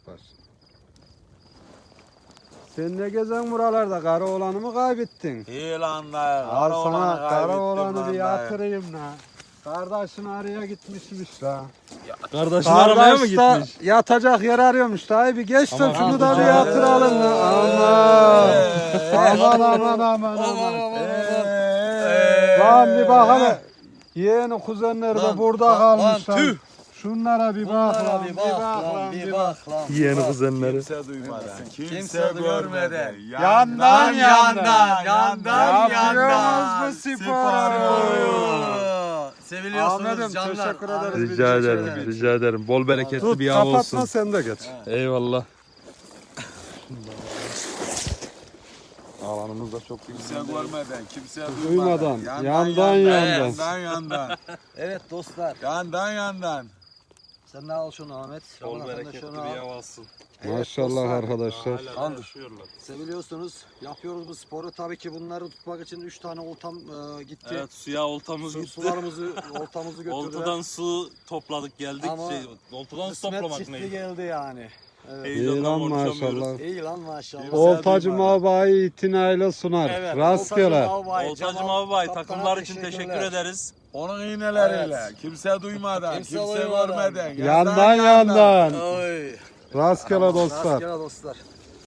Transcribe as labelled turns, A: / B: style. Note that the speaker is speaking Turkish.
A: yaparsın. Sen ne gezen buralarda? Kara oğlanı mı kaybettin?
B: İyi lan da.
A: Al sana kara oğlanı bir yatırayım la. Kardeşin araya gitmişmiş la.
C: Kardeşini aramaya mı
A: Kardeş da
C: gitmiş?
A: yatacak yer arıyormuş la. Bir geç de
C: Aman
A: şunu da bir
C: ya.
A: yatıralım la. Aman. Lan bir bak hele. Yeğeni kuzenleri de burada kalmışlar. Şunlara bir bak lan. Bir bak lan.
C: Yeğeni kuzenleri.
B: Kimse duymadan, kimse
D: Kimse
B: görmeden.
A: Yandan.
B: yandan.
A: bu sporu?
D: Seviliyorsunuz
A: Ahmet'im,
D: canlar.
A: teşekkür ederiz.
C: Rica ederim, rica ederim. Bol bereketli
A: Tut
C: bir av
A: kapatma
C: olsun.
A: sen de geç.
C: Eyvallah. Alanımız da çok
B: Kimse görmeden, kimse
A: Duymadan,
B: duymadan.
A: yandan.
B: Yandan.
D: Evet dostlar.
B: Yandan.
D: Sen de al şunu Ahmet.
C: bol
D: Şaban, sen de
C: bereketli
D: şunu
C: bir
D: al.
C: av olsun.
A: Maşallah arkadaşlar.
C: Hala yaşıyorlar.
D: Seviliyorsunuz. Yapıyoruz bu sporu. Tabii ki bunları tutmak için 3 tane oltam gitti.
E: Evet, suya oltamız gitti.
D: Sularımızı, oltamızı götürdüler.
E: Oltadan su topladık geldik.
D: Ama
E: Oltadan su
D: kısmet
E: toplamak
D: çiftli
E: neydi?
D: geldi yani. Evet.
A: İyi
E: Heyecandan
A: lan
E: konuşamıyoruz.
A: maşallah.
D: İyi lan maşallah.
A: Oltacı Mavba'yı itinayla sunar.
D: Evet,
A: Rastgele.
E: Oltacım abi takımlar için teşekkür ederiz.
B: Onun iğneleriyle. Kimse duymadan,
D: Kimse
B: kimse
D: duymadan.
B: görmeden.
A: Yandan.
D: Oy.
A: Rastgele dostlar.
D: Rastgele dostlar.